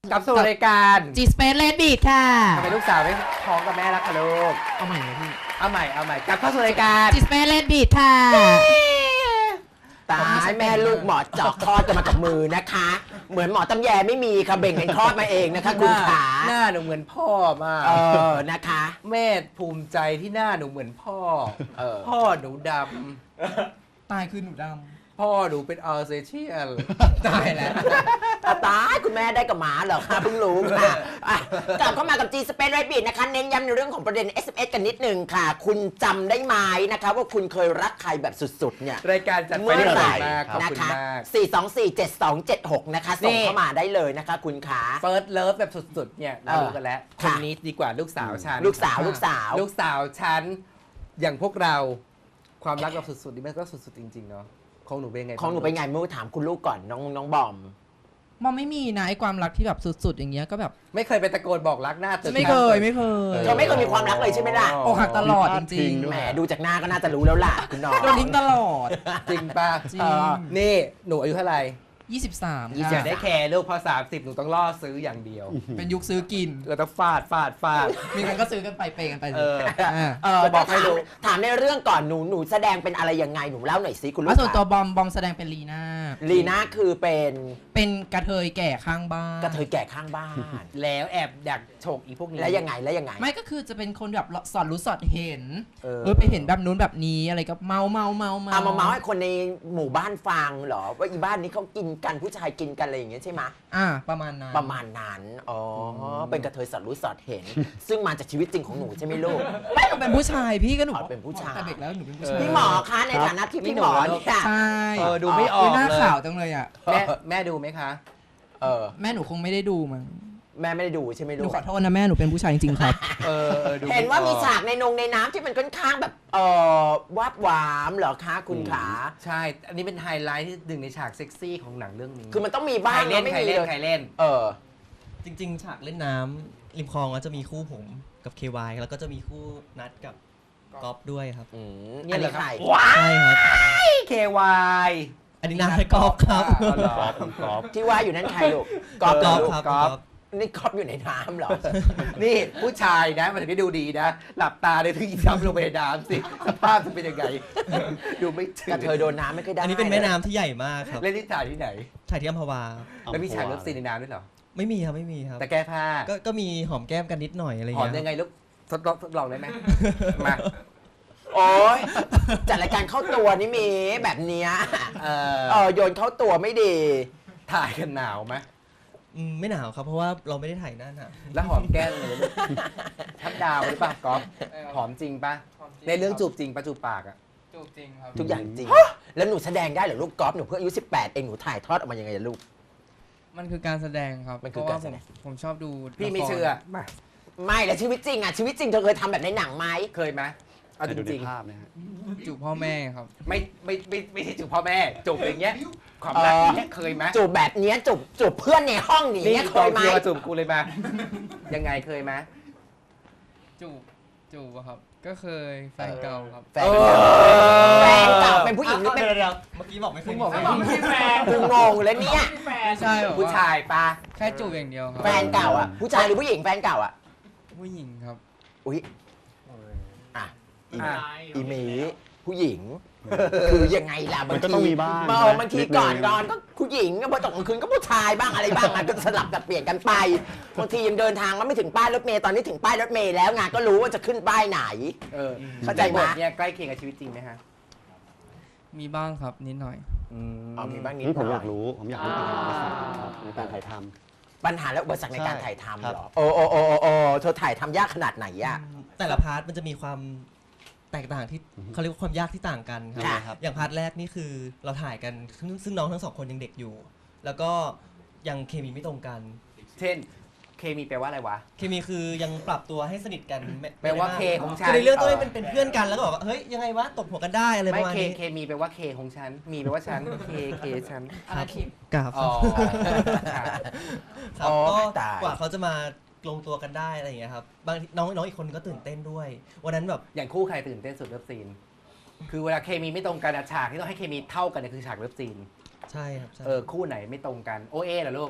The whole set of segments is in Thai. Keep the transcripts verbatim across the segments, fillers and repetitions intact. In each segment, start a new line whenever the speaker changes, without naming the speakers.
กับสู่รายการ
G Space Red Beat ค่ะ
ทำไมลูกสาวไม่ท้องกับแม่รักคะลูก
เอาใหม่เลยพี่
เอาใหม่เอาใหม่กลับเข้าสู่รายการ
G Space Red Beat ค่ะ
ตายแม่ลูกหมอเจาะคลอดกันมากับมือนะคะ เหมือนหมอตำแยไม่มีค่ะเบ่งกันคลอดมาเองนะคะคุณขา
หน้าหนูเหมือนพ่อมาก
เออนะคะ
แม่ภูมิใจที่หน้าหนูเหมือนพ่อ
เออ
พ่อหนูด
ตายคือหนูด
ำพ่อหนูเป็นอัลเซเชียน
ำตายแล้ว
ตายคุณแม่ได้กับหมาเหรอคะเพิ่งรู้ค่ะอ่ะกลับเข้ามากับ G Space Red Beat นะคะเน้นย้ำในเรื่องของประเด็น เอส เอ็ม เอส กันนิดนึงค่ะ คุณจำได้ไหมนะคะว่าคุณเคยรักใครแบบสุดๆเนี่ย
รายการจัดไป
เมื่อ
ได้
ไหร่
มากขอบ
นะ
คุณ
คะ
มาก
สี่ สอง สี่ เจ็ด สอง เจ็ด หก นะคะส่ง
นี่
เข้ามาได้เลยนะคะ คุณขา
เฟิร์สเลิฟแบบสุดๆเนี่ยเรารู้กันแล้ว
เออ
คน
ค่ะ
นี้ดีกว่าลูกสาวฉัน
ลูกสาวลูกสาว
ลูกสาวฉันอย่างพวกเราความรักแบบสุดๆนี่มันก็สุดๆจริงๆเนาะของหนูเป็นไง
ของหนูเป็นไงเมื่อถามคุณลูกก่อนน้องน้องบอม
มอมไม่มีนะไอ้ความรักที่แบบสุดๆอย่างเงี้ยก็แบบ
ไม่เคยไปตะโกนบอกรักหน้าตึก
ไม่เคยไม่เคย
เธอไม่เคยมีความรักเลยใช่ไหมล่ะ
อกหักตลอดจริง
แหมดูจากหน้าก็น่าจะรู้แล้วล่ะคุณน้อง
ๆโดนทิ้งตลอด
จริงป่ะ
จริง
เออ
นี่หนูอายุเท่าไหร่
ยี่สิบสาม
อย่าได้แคร์ลูกพอสามสิบหนูต้องล่อซื้ออย่างเดียว
เป็นยุคซื้อกิน
เราต้องฟาดฟาดฟาด
มีกันก็ซื้อกันไปเปย์กันไป
เออ
อ่า
เออ
จะบอกให้รู้
ถามถามในเรื่องก่อนหนูหนูแสดงเป็นอะไรยังไงหนูเล่าหน่อยสิคุณลู
แล้ว
ก
ส่วนตัวบอมบอมแสดงเป็นลีน่า
ลีน่าคือเป็น
เป็นกระเทยแก่ข้างบ้าน
กระเทยแก่ข้างบ้าน
แล้วแอบดักฉกอีพวกนี้
แล้วยังไงแล้วยังไง
ไม่ก็คือจะเป็นคนแบบสอดรู้สอดเห็น
เออ
เออไปเห็นแบบนู้นแบบนี้อะไรก็เมาเมาเมาเมา
เอามาเมาส์ให้คนในหมู่บ้านฟังเหรอว่าอีบ้านนี้เขากินกันผู้ชายกินกันอะไรอย่างเงี้ยใช่ไหม
อ่าประมาณนั้น
ประมาณนั้นอ๋ออเป็นกระเทยสอดรู้สอดเห็น ซึ่งมาจากชีวิตจริงของหนูใช่ไหมลูก
ไม่หนูเป็นผู้ชายพี่ก็หนู
อ๋อเป็นผู้ชาย
แต่เด็กแล้วหนูเป็นผู้ชาย
พี่หมอคะในฐานะที่พี่หมอเนี่ย
ใช่
เออดูไม่ออก
หน้า
เลย
ขาวจังเลยอ่ะ
แม่แม่ดูไหมคะ
เออ
แม่หนูคงไม่ได้ดูมั้ง
แม่ไม่ได้ดูใช่ไหม
ห
ลู
นู
ก
ขอโทษนะแม่หนูเป็นผู้ชายจริงๆครับ
เออออดูไ
เห็นว่ามี
ออก
ฉากในนงในน้ำที่มันค่อนข้างแบบเออวาบหวามเหรอคะคุณขา
ใช่ อันนี้เป็นไฮไลท์ที่หนึ่งในฉากเซ็กซี่ของหนังเรื่องนี้
คือมันต้องมี
ใค
บ้าร ง
เล่น
ไม่
ใคร
มี
เล่น
เลย
ใครเล่น
เออ
จริงๆ ฉากเล่นน้ำริมคลองก็จะมีคู่ผมกับ เค วาย แล้วก็จะมีคู่นัดกับก๊อฟด้วยครับ
อืม
เนี่
อั
ย
น
เหร
นี้
อครับ
ใคร
ใช่ครับ
เควาย
อันนี้นัดให้ก๊อฟครับ
อ๋อเหรอ
กอล์ฟ
ที่ว่าอยู่นั่นใครลูกก
ก๊
อ
อ
ฟ
ฟ
เหรอลูก
ครับ
ก๊อฟ
ก๊อฟ
นี่กอฟอยู่ในน้ำเหรอ
นี่ผู้ชายนะมันถึงได้ดูดีนะ หลับตาเลยถึงอีน้ำลงไปในน้ำสิ สภาพจะเป็นยังไง ดูไม่ถึง
กระเทยโดนน้ำไม่เคยได้
อันนี้เป็นแม่น้ำที่ใหญ่มากครับ
เล่นที่ถ่ายที่ไหน
ถ่ายที่อัมพวา
แล้วมีฉากเลิฟซีนในน้ำด้วยเหรอ
ไม่มีครับไม่มีครับ
แต่แก้ผ้า
ก็ก็มีหอมแก้มกันนิดหน่อยอะไร
หอม
เงี้ย
ยังไงลูกทดลองทดลองได้ไหม มา
โอ้ยจัดรายการเข้าตัวนี่มีแบบเนี้ย
เอ
เอ
อ
อโยนเข้าตัวไม่ดี
ถ่ายกันหนาวไหม
อืมไม่หนาวครับ เพราะว่าเราไม่ได้ถ่ายหน้าหนาว
แล้วหอมแก้มเลยลูกทับดาวหรือเปล่าก๊อฟหอมจริงปะในเรื่องจูบจริงปะจูบปากอะ
จูบจริงครับ
ทุกอย่างจริง แล้วหนูแสดงได้เหรอลูกกอล์ฟหนูเพิ่งอายุสิบแปดเองหนูถ่ายทอดออกมายังไงอะลูก
มันคือการแสดงครับ
มันคือ
เพะว่
การแสดง
ผมผมชอบดู
พี่ไม่
ละคร
เชื่อมา
ไม่แล้วชีวิตจริงอะชีวิตจริงเธอเคยทำแบบในหนังไหม
เคยไหมเอาจ
ดูใน
ริง
ภาพนะฮะ
จูบพ่อแม่ครับ
ๆไม่ไม่ไม่ไม่ใช่จูบพ่อแม่จูบอย่างเงี้ยความรักอย่างเงี้ยเคยไหม
จูบแบบเนี้ยจูบจูบเพื่อนในห้องอย่าง
นี่
เงี้ยเค
กอง
ยไหม
เชียร์มาจูบกูเลยมายังไงเคยไหม
จูบจูบอะครับ ก็เคยแฟนเก่าครับ
แฟนแฟนเก่าเป็นผู้หญิงหรือเป็น
เดี๋ยวเดี๋ยวเมื่อกี้บอกไม่เคยมีแฟน
กูงงเลยเนี่ย
ไม่ใช่แบบ
ผู้
ว่า
ชายปะ
แค่จูบอย่างเดียวครับ
แฟนเก่าอะผู้ชายหรือผู้หญิงแฟนเก่าอะ
ผู้หญิงครับ
อุ้ยอ่ะอี
อ่ะ
อีหมีผู้หญิง คือยังไงล่ะ
มันก็ต้องมีบ้าง
เออบางที
นิดนึง
ก่อนนอนก็ผู้หญิงพอตกกลางคืนก็ผู้ชายบ้างอะไรบ้างมันก็สลับกับเปลี่ยนกันไปบางทียังเดินทางมาไม่ถึงป้ายรถเมล์ตอนนี้ถึงป้ายรถเมล์แล้วไงก็รู้ว่าจะขึ้นป้ายไหน
เออ
เข้าใจไหม
บทเนี่ยใกล้เคียงกับชีวิตจริงไหมฮะ
มีบ้างครับนิดหน่อย
อ๋อมีบ้างนิด
นี่ผม
ห
อ
น่
ยากรู้ ผมอยากรู้ปัญหาอุปสรรคครับในการถ่ายท
ปัญหาและอุปสรรคในการ
ใช่
ถ่ายทำ
ครับ
เหรอโอ้โอ้โอ้โอ้โอ้เธอถ่ายทำยากขนาดไหนอะ
แต่ละพาร์ทมันจะมีความแตกต่างที่เขาเรียกว่าความยากที่ต่างกันค
ค่ะ
รับ อย่างพาร์ทแรกนี่คือเราถ่ายกันซึ่งซึ่งน้องทั้งสองคนยังเด็กอยู่ แล้วก็ยังเคมีไม่ตรงกัน
เช่น เคมีแปลว่าอะไรวะ
เคมีคือยังปรับตัวให้สนิทกันไม่
แปลว่า
ไม่
เค
ได้มก
ของฉัน
คือในเรื่องต้องให้เป็นเป็นเพื่อนกันแล้วก็บอกว่าเฮ้ยยังไงวะตบหัวกันได้อะไรป
ไม่
ระมาณ
เค
นี้
เคมีแปลว่าเคของฉัน มีแปลว่าฉัน เคเคฉัน
ครับกราบ
อ๋อค่ะ
ครับ
อ๋อ
ก็
ตาย
กว่าเขาจะมาลงตัวกันได้อะไรอย่างเงี้ยครับบางทีน้องน้องอีกคนก็ตื่นเต้นด้วย วันนั้นแบบ
อย่างคู่ใครตื่นเต้นสุดเลิฟซีน คือเวลาเคมีไม่ตรงกันอะฉากที่ต้องให้เคมีเท่ากันเนี่ยคือฉากเลิฟซีน
ใช่ครับใช่
เออคู่ไหนไม่ตรงกัน โอเอเหรอลูก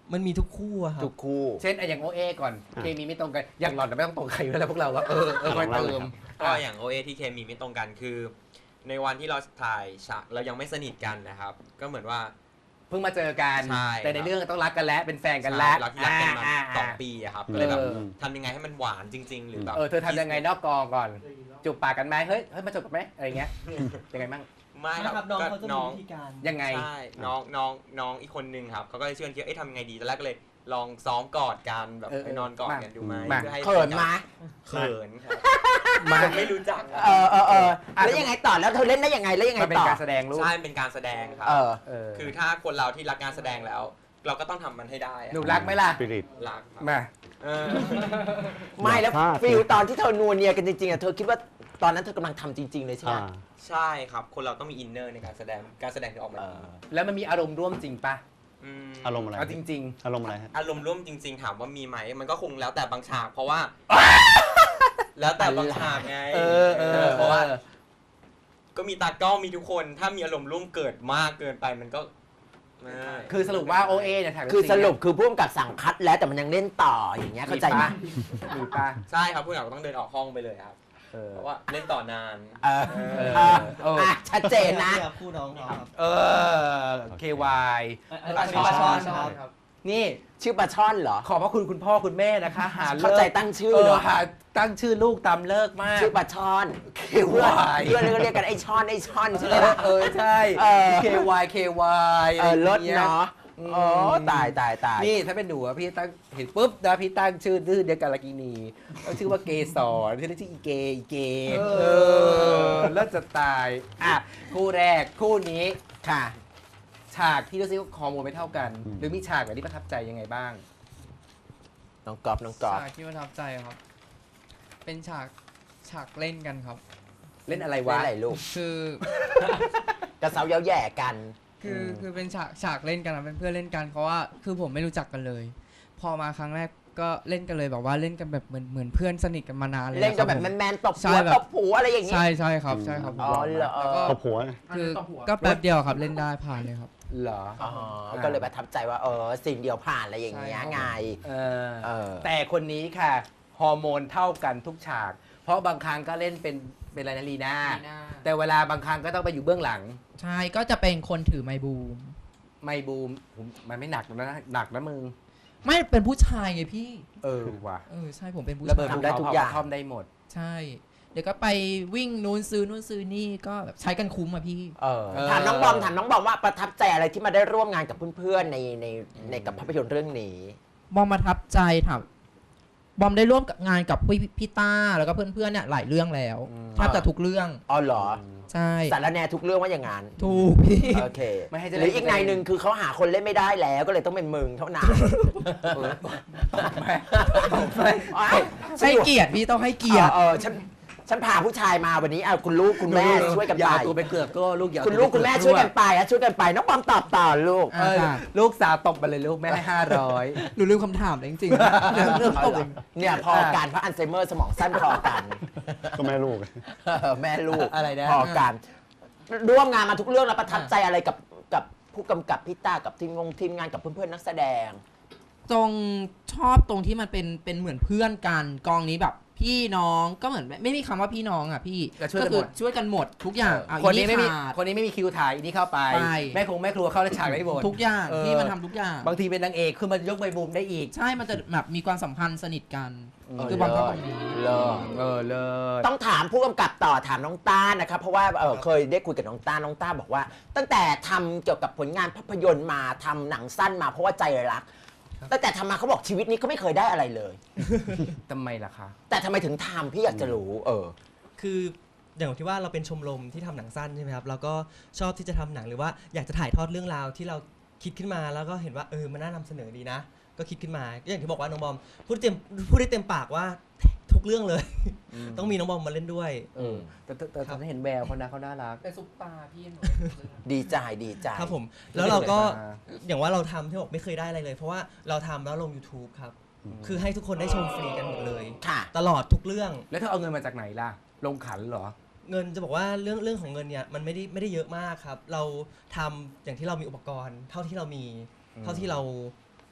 มันมีทุกคู่อะครับ
ทุกคู่
เช่นไอ้อย่างโอเอก่อน
อ่ะ
เคมีไม่ตรงกันอย่างหล่อนไม่ต้องตรงใครอยู่แล้วพวกเราว่าเออเออคอยเติม
ก็อย่างโอเอที่เคมีไม่ตรงกันคือ ในวันที่เราถ่ายฉากเรายังไม่สนิทกันนะครับ ก็เหมือนว่า
เพิ่งมาเจอกัน
ใช่
แต่ใน
ครับ
เรื่องต้องรักกันแล้วเป็นแฟนกันแล้ว
รักรักกันมา
อ่า
สอง
อ่า
ปีอะครับก็เลยแบบ
เออ
ทำยังไงให้มันหวานจริง ๆ หรือแบบ
เออเธอทำยังไงนอกกองก่อน จูบปากกันไหมเฮ้ยเฮ้ยมาจูบกันไหมอะไรเงี้ยยังไงบ้าง
ไม่
ไม่
ค
ค
รั
รั
บบ
น้อง
ก็
เขาจะมี
น้อง
วิธีการ
ยังไง
ใช่น้องน้องน้องอีกคนนึงครับเขาก็เลยชวนคิดเอ้ยทำยังไงดีตอนแรกก็เลยลองซ้อมกอดกันแบบ
เออ
ไปนอนกอดกันดูไหม
มา
เพื่อให้
เขินมา
เขินครับ
มา
ไม่รู้จัก
เออเออเออแล้วยังไงต่อแล้วเธอเล่นได้ยังไงแล้วยังไง
มันเป็น
ต่อ
การแสดงลูก
ใช่เป็นการแสดงครับ
เออ
เออ
คือถ้าคนเราที่รักการแสดงแล้ว เราก็ต้องทำมันให้ได้อะ
หนูรักไหมล่ะ
สปิริต
รักครับ
มา
เออ
ไม่แล้ว
พลาด
ฟิลตอนที่เธอนัวเนียกันจริงๆอ่ะเธอคิดว่าตอนนั้นเธอกำลังทำจริง ๆ เลยใช่ไหม
อ่า
ใช่ครับ คนเราต้องมีอินเนอร์ในการแสดงการแสดงถึงออกมา
เอ
ดี
อ
แล้วมันมีอารมณ์ร่วมจริงปะ
ม
อารมณ์อะไร
เอาจริง
อารมณ์อะไรฮะ
อารมณ์ร่วมจริง ๆ ถามว่ามีไหมมันก็คงแล้วแต่บางฉากเพราะว่า แล้วแต่บางฉากไง
ๆ เออเออ
เพราะว่า ก็มีตากล้องมีทุกคน ถ้ามีอารมณ์ร่วมเกิดมากเกินไปมันก็ไม่
คือสรุปว่าโอเอเนี่ยถ่าย
คือสรุปคือผู้กำกับสั่งคัดแล้วแต่มันยังเล่นต่ออย่างเงี้ยเข้าใจไหม
มีปะ
ใช่ครับผู้กำกับต้องเดินออกห้องไปเลยครับ
เออ
เพราะว่าเล่นต่อนาน
เออ
เออ
เออ
เออ
อ่ะชัดเจนนะ
ครับคู่น้องเขาครับ
เออ เค วาย
อัน
ปลา
นี้
ช่อน
ปลาช่อนครับ
นี่
ชื่อปลาช่อนเหรอ
ขอบพระคุณคุณพ่อคุณแม่นะคะ หา
เข้าใจตั้งชื่อ
เอ
เหร
อ
อ
หาตั้งชื่อลูกตามเลิกมาก
ชื่อปลาช่อน
เค
เพื่อน
วาย
เพื่อนก็เรียกกันไอ้ช่อนไอ้ช่อนใช่ไหม
เออ
ล่ะ
เออใช่
เออ
เค วาย เค วาย
เออลดเนาะ
อืม
โอ้ตายตายตาย
นี่ถ้าเป็นหนูอะพี่ตั้งเห็นปุ๊บนะพี่ตั้งชื่อดื้อเดียวกันละกินีต้องชื่อว่าเกสรชื่อเล่นชื่ออีเกอีเกเออแล้วจะตายอ่ะคู่แรกคู่นี้
ค่ะ
ฉากที่รู้สึกว่าฮอร์โมนไม่เท่ากัน หรือมีฉากไหนที่ประทับใจยังไงบ้าง
น้องกอบน้องกอบ
ฉากที่ประทับใจครับ เป็นฉากฉากเล่นกันครับ
เล่นอะไร
ว่าว
ะ
อะไรลูก
คือ
กระเซาเย้าแย่กัน
คือคือเป็นฉากฉากเล่นกันนะเป็นเพื่อนเล่นกันเพราะว่าคือผมไม่รู้จักกันเลย พอมาครั้งแรกก็เล่นกันเลยแบบว่าเล่นกันแบบเหมือนเหมือนเพื่อนสนิทกันมานานเลย
เล่นกันแบบ
ครัผม
แมนๆตบ
ใช่
หัว
แบบ
ตบหัวอะไรอย่างงี้
ใช่ใช่ครับใช่ครับ
อ๋อเหรอ
แล้วก็
ตบหัวไง
คือก็แป๊บเดียวครับเล่นได้ผ่านเลยครับ
เหรอ
อ๋อก็เลยประทับใจว่าเออสิ่งเดียวผ่านอะไรอย่างเงี้ย
ใช่ครับ
ไง
เออ
เออ
แต่คนนี้ค่ะ ฮอร์โมนเท่ากันทุกฉาก เพราะบางครั้งก็เล่นเป็นเป็นอะไรนะลีน่าแต่เวลาบางครั้งก็ต้องไปอยู่เบื้องหลัง
ใช่ก็จะเป็นคนถือไมค์บูม
ไม่บูมผมมันไม่หนักนะหนักนะมึง
ไม่เป็นผู้ชายไงพี่
เออว่ะ
เออใช่ผมเป็นผู้
ระเบิด
ชาย
ภูเขาเผากระท่อมได้หมด
ใช่ เดี๋ยวก็ไปวิ่งนู้นซื้อนู้นซื้อนี่ก็แบบใช้กันคุ้มอะพี่
เออ
เออ
ถามน้องบอมถามน้องบอมว่าประทับใจอะไรที่มาได้ร่วมงานกับเพื่อนๆในในในกับภาพยนตร์เรื่องนี้
บอมประทับใจถามบอมได้ร่วมกับงานกับพี่พี่ต้าแล้วก็เพื่อนๆเนี่ยหลายเรื่องแล้วแทบจะทุกเรื่อง
อ๋อเหรอ
ใช่
สารแหนทุกเรื่องว่าอย่างงั้น
ถูกพี่
โอเค
ไม่ให้จะ
ห
เล่น
รืออีกนายหนึ่งคือเขาหาคนเล่นไม่ได้แล้วก็เลยต้องเป็นมึงเท่านั้น
เออไม่ไม่
ให้เกียรติพี่ต้องให้เกียรติ
เออฉันฉันพาผู้ชายมาวันนี้เอาคุณลูกคุณแม่ช่วยกัน
อย่า
ไป
เอาตัวไปเกือกก็ลูกอย่าเอา
คุณ
ตัว
ลูก
ไป
คุณแม่
เอ
ช่วยกันไปอะช่วยกันไปน้องบอมตอบต่อลูก
เออลูกสาวตบมาเลยลูกแม่ให้ห้าร้อย
หนูลืมคำถามเลยจริงๆเรื่องเรื่อง
เอาเหรอเนี่ยพอการเพราะอัลไซเมอร์สมองสั้นพอกัน
ก็แม่ลูก
เออแม่ลูก
อะไรนะ
พอกันร่วมงานมาทุกเรื่องแล้วประทับใจอะไรกับกับผู้กำกับพี่ต้ากับทีมงงทีมงานกับเพื่อนๆนักแสดง
ตรงชอบตรงที่มันเป็นเป็นเหมือนเพื่อนกันกองนี้แบบพี่น้องก็เหมือนไม่ไม่มีคำว่าพี่น้องอ่ะพี่
ก็ช่วยกัน
คื
หมด
ช่วยกันหมดทุกอย่างเอา
คนนี้ไม่มี
ขาด
คนนี้ไม่มีคิวถ่ายอันนี้เข้าไป
ไป
แม่คงแม่ครัวเข้าในฉากได้หมด
ทุกอย่าง
เออ
พี่มันทำทุกอย่าง
บางทีเป็นนางเอกคือมันยกใบบูมได้อีก
ใช่มันจะแบบมีความสัมพันธ์สนิทกัน
เออ
คือบอมชอบตรงนี้
เลิศ
เออเลิศ
ต้องถามผู้กำกับต่อถามน้องต้านะครับเพราะว่าเออเคยได้คุยกับน้องต้าน้องต้าบอกว่า ตั้งแต่ทำเกี่ยวกับผลงานภาพยนตร์มาทำหนังสั้นมาเพราะว่าใจรักตั้งแต่ทำมาเขาบอกชีวิตนี้เขาไม่เคยได้อะไรเลย
ทำไมล่ะคะ
แต่ทำไมถึงทำพี่อยากจะรู้เออ
คืออย่างที่ว่าเราเป็นชมรมที่ทำหนังสั้นใช่ไหมครับเราก็ชอบที่จะทำหนังหรือว่าอยากจะถ่ายทอดเรื่องราวที่เราคิดขึ้นมาแล้วก็เห็นว่าเออมันน่านำเสนอดีนะ ก็คิดขึ้นมาก็อย่างที่บอกว่าน้องบอมพูดเต็มพูดได้เต็มปากว่าทุกเรื่องเลย ต้องมีน้องบอมมาเล่นด้วย
เออแต่แต่แต่ฉันเห็นแววเขานะเขาน่ารัก
เป็นซุปตาพี่หนู
ดีใจดีใจ
ครับผมแล้วเราก็
มา
อย่างว่าเราทำที่บอกไม่เคยได้อะไรเลย เพราะว่าเราทำแล้วลง YouTube ครับคือให้ทุกคนได้ชมฟรีกันหมดเลย
ค่ะ
ตลอดทุกเรื่อง
แล้วเธอเอาเงินมาจากไหนล่ะ ลงขันเหรอ
เงินจะบอกว่าเรื่องเรื่องของเงินเนี่ยมันไม่ได้ไม่ได้เยอะมากครับ เราทำอย่างที่เรามีอุปกรณ์ เท่าที่เรามี
อืม
เท่าที่เรา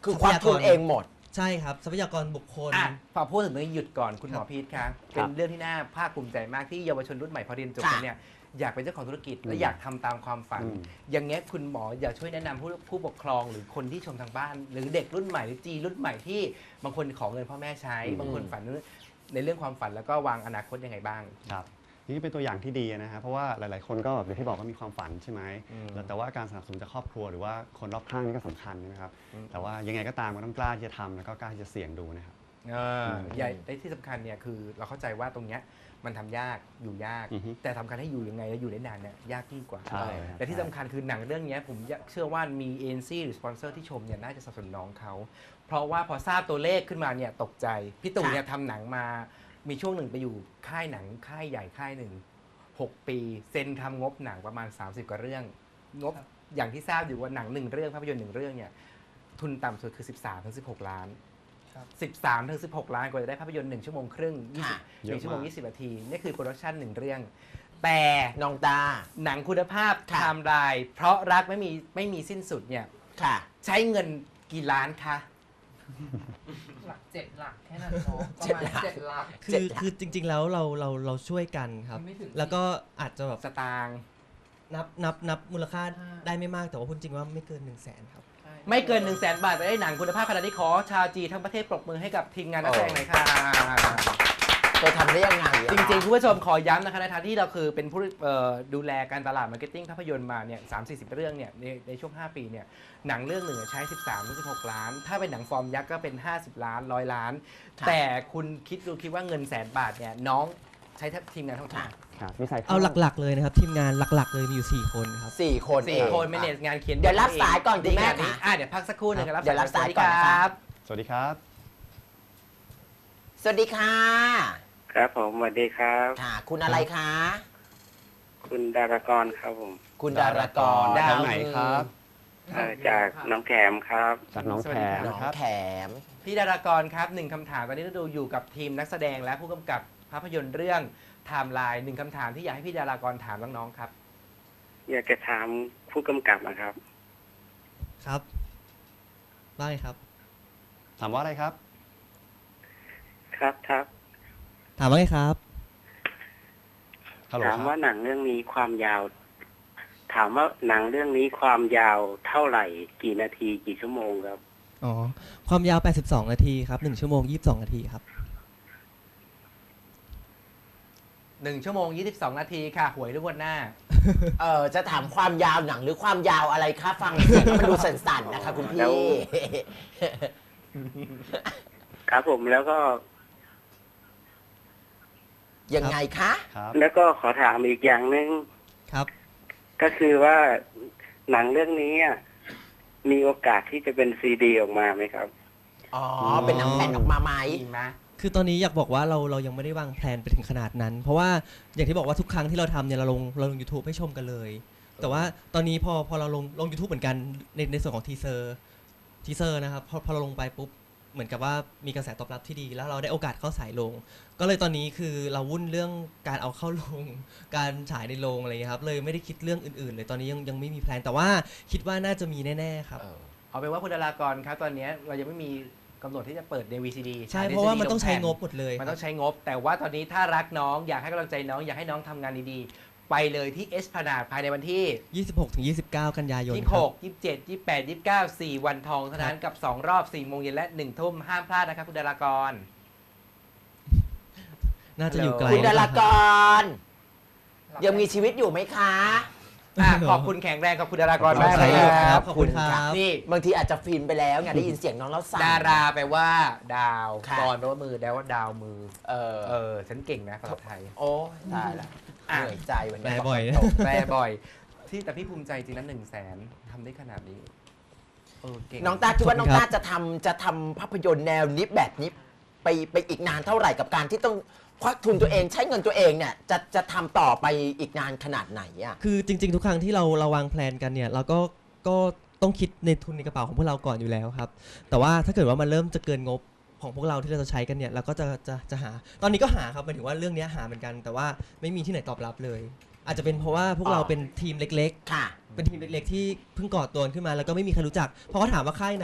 คือควักทุนเองหมด
ใช่ครับทรัพยากรบุคคล
อ่ะพอพูดถึงเรื่องนี้หยุดก่อนคุณหมอ
ครับ
พีทคะเป็นเรื่องที่น่าภาคภูมิใจมากที่เยาวชนรุ่นใหม่พอเรียนจบแล้วเนี่ยอยากเป็นเจ้าของธุรกิจและอยากทำตามความฝัน
อืม
อย่างเงี้ยคุณหมออยากช่วยแนะนำผู้ผู้ปกครองหรือคนที่ชมทางบ้าน หรือเด็กรุ่นใหม่หรือจีรุ่นใหม่ที่บางคนขอเงินพ่อแม่ใช้
อืม
บางคนฝันในเรื่องความฝันแล้วก็วางอนาคตยังไงบ้าง
ครับนี่เป็นตัวอย่างที่ดีนะฮะเพราะว่าหลาย ๆ คนก็แบบอย่างที่บอกว่ามีความฝันใช่ไหม
อืม
แล้วแต่ว่าการสนับสนุนจากครอบครัวหรือว่าคนรอบข้างนี่ก็สำคัญนะครับ
อืม
แต่ว่ายังไงก็ตามก็ต้องกล้าที่จะทำแล้วก็กล้าที่จะเสี่ยงดูนะครับ
เออใหญ่ในที่สำคัญเนี่ยคือเราเข้าใจว่าตรงเนี้ยมันทำยากอยู่ยาก
อือฮึ
แต่ทำการให้อยู่ยังไงแล้วอยู่ได้นานเนี่ยยากยิ่งกว่า
ใช่ครับ
แต่ที่สำคัญคือหนังเรื่องเนี้ยผมเชื่อว่ามีเอ็นซีหรือสปอนเซอร์ที่ชมเนี่ยน่าจะสนับสนุนน้องเขาเพราะว่าพอทราบตัวเลขขึ้นมาเนี่ยตกใจพี่ตู่เนี่ยทำหนังมามีช่วงหนึ่งไปอยู่ค่ายหนังค่ายใหญ่ค่ายหนึ่งหกปีเซ็นทำงบหนังประมาณสามสิบกว่าเรื่อง งบอย่างที่ทราบอยู่ว่าหนังหนึ่งเรื่องภาพยนตร์หนึ่งเรื่องเนี่ยทุนต่ำสุดคือสิบสามถึงสิบหกล้าน
ครับ
สิบสามถึงสิบหกล้านกว่าจะได้ภาพยนตร์หนึ่งชั่วโมงครึ่งยี่สิบ
ค่ะ
หนึ่งชั่วโมง
เยอะมาก
ยี่สิบนาทีนี่คือโปรดักชันหนึ่งเรื่อง แต่
น้องตา
หนังคุณภาพไท
ค่ะ
ม์ไลน์เพราะรักไม่มีไม่มีสิ้นสุดเนี่ย
ค่ะ
ใช้เงินกี่ล้านคะ
หลักเจ็ดหลักแค่นั้นเนาะประ
เจ็ด
มาณ
หลัก
เจ็ดหลัก
คื
เจ็
อ
ดหลัก
คือจริง ๆ แล้วเราเราเราช่วยกันครับ
ไม่ถึง
แล้วก็อาจจะแบบ
สตางค์
นับนับนับมูลค่า
อ่า
ได้ไม่มากแต่ว่าพูดจริงว่าไม่เกิน1นึ่งแสนครับ
ไม่เกิน1นึ่งแสนบาทแต่ได้หนังคุณภาพขนาดนี้ขอชาวจีนทั้งประเทศปรบมือให้กับทีมงานนักแสดงหน่อยค่ะ
ไปทำได้ยังไงอะ
จริงๆคุณผู้ชมขอย้ำนะคะในฐานะที่เราคือเป็นผู้เอ่อดูแลการตลาดมาร์เก็ตติ้งภาพยนตร์มาเนี่ยสามสี่สิบเรื่องเนี่ยในในช่วง ห้า ปีเนี่ยหนังเรื่องหนึ่งใช้ สิบสามถึงสิบหก ล้าน ถ้าเป็นหนังฟอร์มยักษ์ก็เป็น ห้าสิบ ล้านร้อยล้าน แต่คุณคิดดูคิดว่าเงินแสนบาทเนี่ยน้องใช้ทีมงานเท่าไหร่
ครับวิสัยทัศน์
เอาหลักๆเลยนะครับทีมงานหลักๆ เลยมีอยู่สี่คนครับ
สี่คนเอ
สี่
ง
คนเมเนจงานเขียน
เดี๋ยวรับสายก่อนคุณแม่
ดีงานนี้
ค่ะ
อ่ะเดี๋ยวพักสักครู่หนึงครับ
เดี๋ยวรับสายก่อน
สวัสดี
นะ
ค
คะ
รับ
สวัสดีครับ
สวัสดีค่ะ
ครับผมสวัสดีครับ
ค่ะ คุณอะไรคะ
คุณดารากรครับผม
คุณดารากร
ดา
ทางไหนครับ
เอ่อจากหน้องแขมครับ
จากน้อง
สวั
แพ
สดี
ร
ครับ
น้อง
นะครับ
แขม
พี่ดารากรครับหนึ่งคำถามตอนนี้เราดูอยู่กับทีมนักแสดงและผู้กำกับภาพยนตร์เรื่องไทม์ไลน์หนึ่งคำถามที่อยากให้พี่ดารากรถามน้องๆครับ
อยากจะถามผู้กำกับนะครับ
ครับว่าไงครับ
ถามว่าอะไรครับ
ครับครับ
ถามว่าไงครับ
ฮัลโหล
ถาม
ค
ว่า
รับ
หนังเรื่องนี้ความยาว ถามว่าหนังเรื่องนี้ความยาวเท่าไหร่ กี่นาทีกี่ชั่วโมงครับ
อ๋อความยาวแปดสิบสองนาทีครับหนึ่งชั่วโมงยี่สิบสองนาทีครับ
หนึ่งชั่วโมงยี่สิบสองนาทีค่ะ หวยทุกวันหน้า
เออจะถามความยาวหนังหรือความยาวอะไรคะฟังเสียงแล้วมันดูสั่นๆนะคะคุณ
แล้
พี่
ว ครับผมแล้วก็
ยังไงคะ
ครับ
แล้วก็ขอถามอีกอย่างหนึ่ง
ครับ
ก็คือว่าหนังเรื่องนี้อะมีโอกาสที่จะเป็นซีดีออกมาไหมครับ
อ๋อ เป็นหนังแผ่นออกมาไหม
ดีไหม
คือตอนนี้อยากบอกว่าเราเรายังไม่ได้วางแผนไปถึงขนาดนั้น เพราะว่าอย่างที่บอกว่าทุกครั้งที่เราทำเนี่ยเราลงเราลง YouTube ให้ชมกันเลย แต่ว่าตอนนี้พอพอเราลงลง YouTube เหมือนกันในในส่วนของทีเซอร์ทีเซอร์นะครับพอพอเราลงไปปุ๊บเหมือนกับว่ามีกระแสตอบรับที่ดี แล้วเราได้โอกาสเข้าฉายลง ก็เลยตอนนี้คือเราวุ่นเรื่องการเอาเข้าลง การฉายในโรงอะไรอย่างเงี้ยครับเลยไม่ได้คิดเรื่องอื่นๆ เลยตอนนี้ยังยังไม่มีแพลนแต่ว่าคิดว่าน่าจะมีแน่ๆครับ
เอาเป็นว่าคุณดารากรครับตอนนี้เรายังไม่มีกำหนดที่จะเปิดใน วี ซี ดี
ใช่เพราะว่ามันต้องใช้งบหมดเลย
มันต้องใช้งบ แต่ว่าตอนนี้ถ้ารักน้องอยากให้กำลังใจน้องอยากให้น้องทำงานดีๆ ไปเลยที่เอสพนาดภายในวันที่
ยี่สิบหกถึงยี่สิบเก้า กันยายน
ยี่
ค
สิบห
รับ
ก ยี่สิบเจ็ด ยี่สิบแปด ยี่สิบเก้า สี่วันทองเท่านั้นกับสองรอบสี่โมงเย็นและหนึ่งทุ่มห้ามพลาดนะครับคุณดารากร
น่าจะอยู่ไกล
คุณดา
นะ
รา
ค
ก
รับ
ร ยังมีชีวิตอยู่ไหมคะ
อ่ะขอบคุณแข็งแรงขอบคุณดารากร
ขอบคุณ
มากเลย
ค
ค
รั
รับ
ขอบคุณครับ
นี่
บางทีอาจจะฟินไปแล้วไงได้ยินเสียงน้องแล้วสั่น
ดาราแปลว่าดาว
ค่ะ
กรแปลว่ามือแปลว่าดาวมือ
เออ
เออ ฉันเก่งนะภาษาไทย
โอ้ตายละ
อ่ะ
เหนื่อยใจวันนี้
แปลบ่อยนะ
แปลบ่อย ที่แต่พี่ภูมิใจจริงนะหนึ่งแสนทำได้ขนาดนี้เออเก่ง
น้องตาคิดว่าน้อง
ขอบคุณครั
ตา
บ
จะทำจะทำภาพยนตร์แนวนี้แบบนี้ไปไปอีกนานเท่าไหร่กับการที่ต้องควักทุนตัวเองใช้เงินตัวเองเนี่ยจะจะทำต่อไปอีกนานขนาดไหนอ่ะ
คือจริงๆ ทุกครั้งที่เราเราวางแผนกันเนี่ยเราก็ก็ต้องคิดในทุนในกระเป๋าของพวกเราก่อนอยู่แล้วครับ แต่ว่าถ้าเกิดว่ามันเริ่มจะเกินงบของพวกเราที่เราจะใช้กันเนี่ยเราก็จะจะจะหา ตอนนี้ก็หาครับหมายถึงว่าเรื่องเนี้ยหาเหมือนกัน แต่ว่าไม่มีที่ไหนตอบรับเลย อาจจะเป็นเพราะว่าพวกเราเป็นทีมเล็ก
ค่ะ
ๆ เป็นทีมเล็กๆ ที่เพิ่งก่อตัวขึ้นมาแล้วก็ไม่มีใครรู้จักเพราะเขาถามว่าค่ายไหน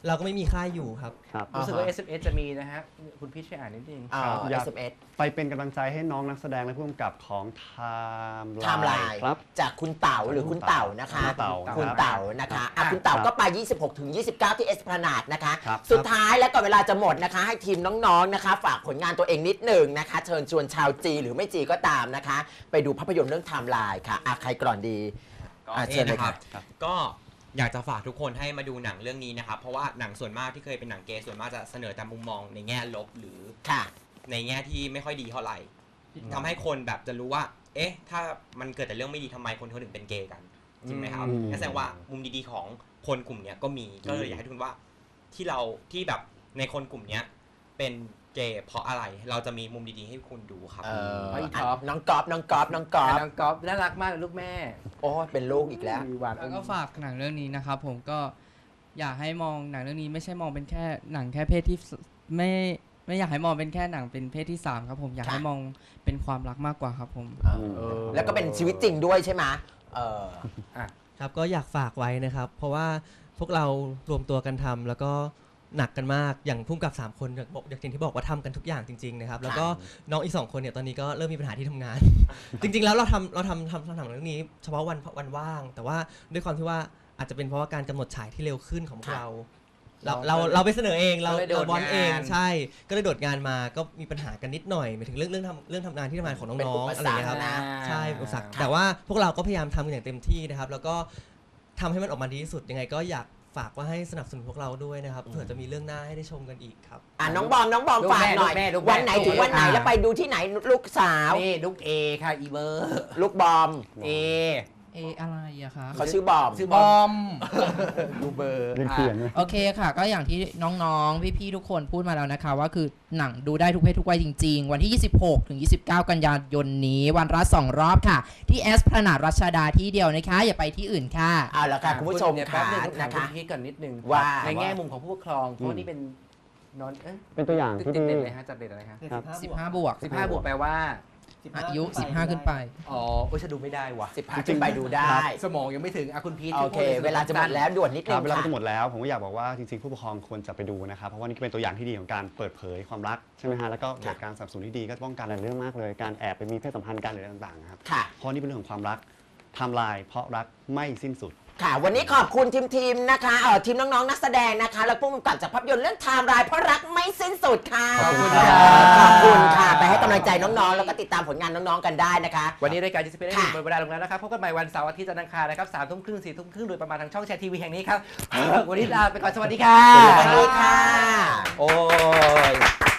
เราก็ไม่มีค่ายอยู่ครับ
ครับ
รู้สึกว่า
อ่าฮะ
เอส เอ็ม เอส จะมีนะฮะคุณพี่ช่วยอ่านนิดนึง
อ่า
อยาก
เอส เอ็ม เอส
ไปเป็นกำลังใจให้น้องนักแสดงและผู้กำกับของ Time
ไทม์ไลน์
ครับ
จากคุณเต๋าหรือคุณเต๋านะคะ
คุณเต๋า
คุณเต๋านะคะอ่ะคุณเต๋าก็ไป ยี่สิบหกถึงยี่สิบเก้า ที่เอสพลานาดนะคะ
ครับ
สุดท้ายแล้วก็เวลาจะหมดนะคะ ให้ทีมน้องๆนะคะ ฝากผลงานตัวเองนิดหนึ่งนะคะ เชิญชวนชาวจีหรือไม่จีก็ตามนะคะ ไปดูภาพยนตร์เรื่องไทม์ไลน์ค่ะอ่ะใครก่อนดี
ก็
อ่ะเชิ
เชิ
ญ
ญ
เลย
นะค
ครั
รับ บ ก็อยากจะฝากทุกคนให้มาดูหนังเรื่องนี้นะครับ เพราะว่าหนังส่วนมากที่เคยเป็นหนังเกย์ส่วนมากจะเสนอแต่มุมมองในแง่ลบหรือ
ค่ะ
ในแง่ที่ไม่ค่อยดีเท่าไหร่ทำให้คนแบบจะรู้ว่า เอ๊ะ ถ้ามันเกิดแต่เรื่องไม่ดีทำไมคนเขาถึงเป็นเกย์กันจริงไหมครับ
อืม
นั่นแสดงว่ามุมดีๆของคนกลุ่มเนี้ยก็มีก็เลยอยากให้ทุกคนว่าที่เราที่แบบในคนกลุ่มเนี้ยเป็นเกย์เพราะอะไรเราจะมีมุมดีๆให้คุณดูครับ
เออ
ไอ้ท็
อ่ะ
อป
น้องกอล์ฟน้องกอล์ฟน้องกอล์ฟ
น้องก๊อฟน่ารักมากเลยลูกแม่
โอ้เป็นลูกอีกแล้ว
มีหวาน
แล้วก็ฝากหนังเรื่องนี้นะครับผมก็อยากให้มองหนังเรื่องนี้ไม่ใช่มองเป็นแค่หนังแค่เพศที่สไม่ไม่อยากให้มองเป็นแค่หนังเป็นเพศที่สามครับผมอยาก
ค่ะ
ให้มองเป็นความรักมากกว่าครับผม
เออ
แล้วก็เป็นชีวิตจริงด้วยใช่ไหมเออ
ครับก็อยากฝากไว้นะครับ เพราะว่าพวกเรารวมตัวกันทำแล้วก็หนักกันมากอย่างพุ่มกับสามคนอย่างบอกอย่างที่บอกว่าทำกันทุกอย่างจริงๆนะครับแล้วก็น้องอีกสองคนเนี่ยตอนนี้ก็เริ่มมีปัญหาที่ทำงาน จริงๆแล้วเราทำเราทำทำทำหนังเรื่องนี้เฉพาะวันวันว่าง แต่ว่าด้วยความที่ว่าอาจจะเป็นเพราะว่าการกำหนดฉายที่เร็วขึ้นของพวกเรา เราเราเราไปเสนอเองเรา
ก็เลยโด
เรา
ด
บอลเอง
งาน
ใช่ก็เลยโดดงานมาก็มีปัญหากันนิดหน่อยหมายถึงเรื่องเรื่องทำเรื่องทำงานที่ทำงานของ
เป็น
น้อง
อุป
ๆอะไร
สร
อย่าง
ร
เงี้ยครับ
คนะ
ใช่อุปสรรค
ค่ะ
แต่ว่าพวกเราก็พยายามทำกันอย่างเต็มที่นะครับ แล้วก็ทำให้มันออกมาดีที่สุดยังไงก็อยากฝากว่าให้สนับสนุนพวกเราด้วยนะครับเผื่อจะมีเรื่องหน้าให้ได้ชมกันอีกครับ
อ่ะน้องบอมน้องบอม
ลูก
ฝาก
แม่
หน่อย
ลูกแม่ลูกแม่
วันไหนถึงวันไหน
อ่า
แล้วไปดูที่ไหนลูกสาว
นี่ลูกเอค่ะอีเบอร์
ลูกบอม
เอ
เออะไรอะคะ
เขาชื่อบอม
ชื่อบ
อ
อม
ม
ดูเบอร์
เรียนเปลี่ยนไหม
โอเคค่ะ ก็อย่างที่น้องๆ พี่ๆ ทุกคนพูดมาแล้วนะคะ ว่าคือหนังดูได้ทุกเพศทุกวัยจริงๆ วันที่ ยี่สิบหกถึงยี่สิบเก้า กันยายนนี้ วันละสองรอบค่ะ ที่แอสพลานาดรัชดาที่เดียวนะคะ อย่าไปที่อื่นค่ะ
เอาละค่ะคุณผู้ชม
เนี่ย
ค่ะ
แป๊บนึงถาม
นะ
คุณ
คะ
พีทก่อนนิดนึง
ว่า
ในแง่มุมของผู้ปกครองเพราะว่านี่เป็นนอนเอ๊ะ
เป็นตัวอย่าง
ติด
ที่
ติด
ดี
เด่นเลยฮะจัดเด่นอะไรฮะ
ครับ
สิบห้า บวก
สิบห้าบวกแปลว่า
อายุ สิบห้า ขึ้นไป
อ๋อโอ้ยฉันดูไม่ได้ว่ะ
สิบห้าขึ้นไปดูได้
สมองยังไม่ถึงอ่ะคุณพีท
โอเค เวลาจะหมดแล้วด่วนนิด
ค
นึ
รับ
ง
เวลา
ค่ะ
จะหมดแล้วผมก็อยากบอกว่าจริงๆ ผู้ปกครองควรจะไปดูนะครับ เพราะว่านี่ก็เป็นตัวอย่างที่ดีของการเปิดเผยความรักใช่ไหมฮะแล้วก็เกิดการสนับสนุนที่ดีก็ป้องกันหลายเรื่องมากเลย การแอบไปมีเพศสัมพันธ์กันหรืออะไรต่างๆนะครับ
ค่ะ
เพราะนี่เป็นเรื่องของความรักไทม์ไลน์เพราะรักไม่สิ้นสุด
ค่ะ วันนี้ขอบคุณทีมทีมๆนะคะเออทีมน้องๆนักแสดงนะคะ แล้วผู้กำกับจากภาพยนตร์เรื่องไทม์ไลน์เพราะรักไม่สิ้นสุดค่ะ
ขอบคุณ
ค
ครั
ข
บ
อบคุณค่ะ ไปให้กำลังใจน้องๆ แล้วก็ติดตามผลงานน้องๆกันได้นะคะ
วันนี้รายการจิสเปนได้
ค่ะ
หมดเวลาลงแล้วนะครับพบกันใหม่วันเสาร์อาทิตย์จันทร์อังคารนะครับสามทุ่มครึ่งสี่ทุ่มครึ่งโดยประมาณทางช่องแชร์ทีวีแห่งนี้ครับ วันนี้ลาไปก่อนสวัสดีค่ะ
สวัสดีค่ะ
โอ้ย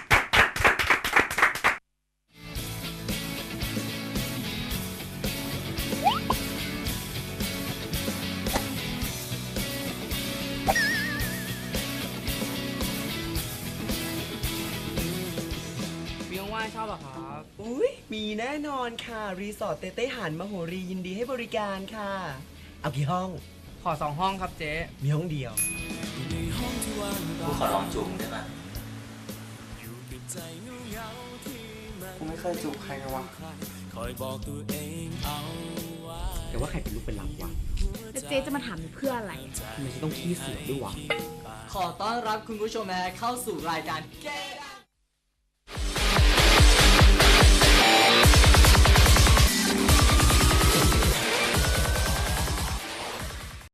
วิวว่ายชอบเหรอครับ
อุ้ยมีแน่นอนค่ะ รีสอร์ทเต้เต้หันมโหรียินดีให้บริการค่ะ เอากี่ห้อง
ขอสองห้องครับเจ๊
มีห้องเดียว
กูขอลองจุ่มได้ไหม
กูไม่เคยจูบใครเลยวะ
แต่ว่าใครเป็นลูกเป็นหลังวะ
แล้วเจ๊จะมาถามเพื่ออะไร
ทำไมจะต้องขี้เสือกด้วยวะ
ขอต้อนรับคุณผู้ชมนะเข้าสู่รายการ Get